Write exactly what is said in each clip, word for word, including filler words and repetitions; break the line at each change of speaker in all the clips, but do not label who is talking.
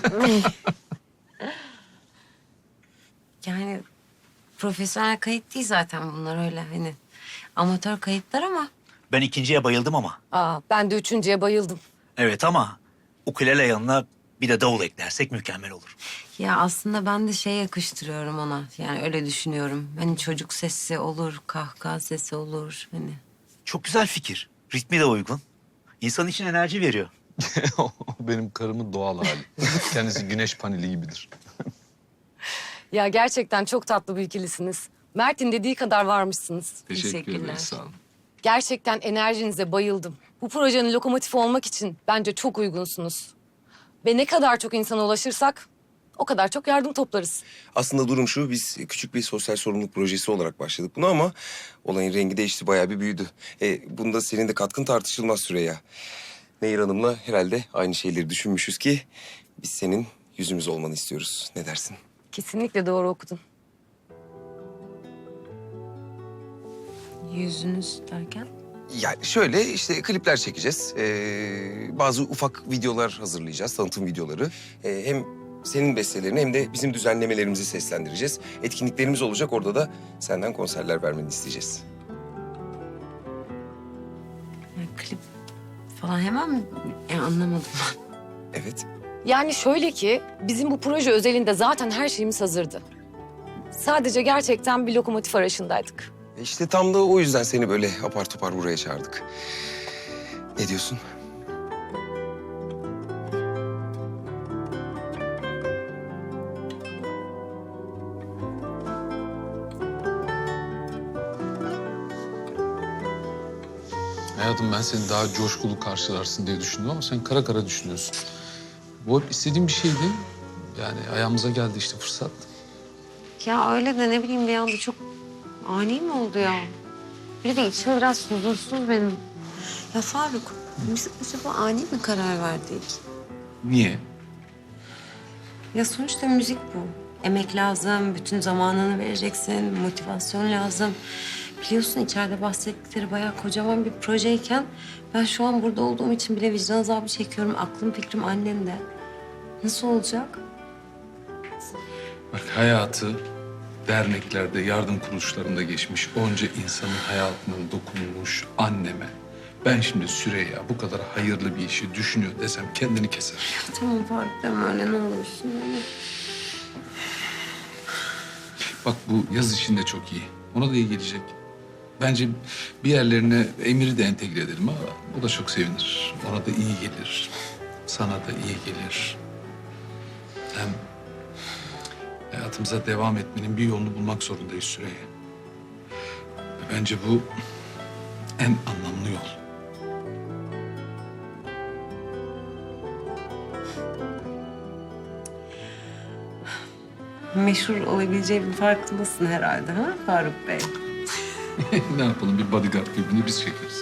Yani profesyonel kayıt değil zaten bunlar, öyle hani amatör kayıtlar ama.
Ben ikinciye bayıldım ama.
Aa, ben de üçüncüye bayıldım.
Evet ama ukulele yanına bir de davul eklersek mükemmel olur.
Ya aslında ben de şey yakıştırıyorum ona. Yani öyle düşünüyorum. Hani çocuk sesi olur, kahkaha sesi olur hani.
Çok güzel fikir. Ritmi de uygun. İnsan için enerji veriyor.
O benim karımın doğal hali. Kendisi güneş paneli gibidir.
Ya gerçekten çok tatlı bir ikilisiniz. Mert'in dediği kadar varmışsınız.
Teşekkür
Teşekkürler.
ederiz, sağ olun.
Gerçekten enerjinize bayıldım. Bu projenin lokomotifi olmak için bence çok uygunsunuz. Ve ne kadar çok insana ulaşırsak o kadar çok yardım toplarız.
Aslında durum şu, biz küçük bir sosyal sorumluluk projesi olarak başladık bunu ama olayın rengi değişti, bayağı bir büyüdü. E, bunda senin de katkın tartışılmaz Süreyya. Nehir Hanım'la herhalde aynı şeyleri düşünmüşüz ki biz senin yüzümüz olmanı istiyoruz. Ne dersin?
Kesinlikle doğru okudun.
Yüzünüz derken?
Yani şöyle işte klipler çekeceğiz. Ee, bazı ufak videolar hazırlayacağız, tanıtım videoları. Ee, hem senin bestelerini hem de bizim düzenlemelerimizi seslendireceğiz. Etkinliklerimiz olacak, orada da senden konserler vermeni isteyeceğiz.
Yani klip falan hemen mi? Yani anlamadım ben.
Evet.
Yani şöyle ki bizim bu proje özelinde zaten her şeyimiz hazırdı. Sadece gerçekten bir lokomotif arayışındaydık.
E İşte tam da o yüzden seni böyle apar topar buraya çağırdık. Ne diyorsun?
Hayatım, ben seni daha coşkulu karşılarsın diye düşündüm ama sen kara kara düşünüyorsun. Bu hep istediğim bir şeydi. Yani ayağımıza geldi işte fırsat.
Ya öyle de ne bileyim, bir anda çok ani mi oldu ya? Bir de içim biraz huzursuz benim. Ya Faruk, biz acaba ani mi karar verdik?
Niye?
Ya sonuçta müzik bu. Emek lazım, bütün zamanını vereceksin, motivasyon lazım. Biliyorsun içeride bahsettikleri bayağı kocaman bir projeyken... ben şu an burada olduğum için bile vicdan azabı çekiyorum. Aklım fikrim annemde. Nasıl olacak?
Bak, hayatı derneklerde, yardım kuruluşlarında geçmiş onca insanın hayatına dokunmuş anneme ben şimdi Süreyya bu kadar hayırlı bir işi düşünüyor desem kendini keser.
Tamam Faruk, deme öyle, ne olursun.
Bak, bu yaz için de çok iyi. Ona da iyi gelecek. Bence bir yerlerine Emir'i de entegre edelim ama o da çok sevinir. Ona da iyi gelir. Sana da iyi gelir. Hem hayatımıza devam etmenin bir yolunu bulmak zorundayız Süreyya. Ve bence bu en anlamlı yol.
Meşhur olabileceğimin farkındasın herhalde, ha Faruk Bey?
Ne yapalım, bir bodyguard birbirine biz çekeriz.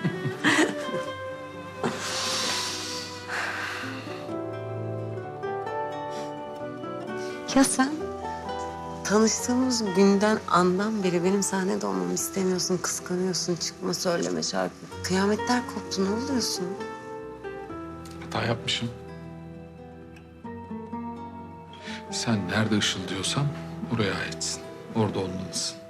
Ya sen tanıştığımız günden, andan beri benim sahnede olmamı istemiyorsun, kıskanıyorsun, çıkma söyleme şarkı. Kıyametler koptu, ne oluyorsun?
Hata yapmışım. Sen nerede ışıldıyorsan oraya aitsin. Orada olmalısın.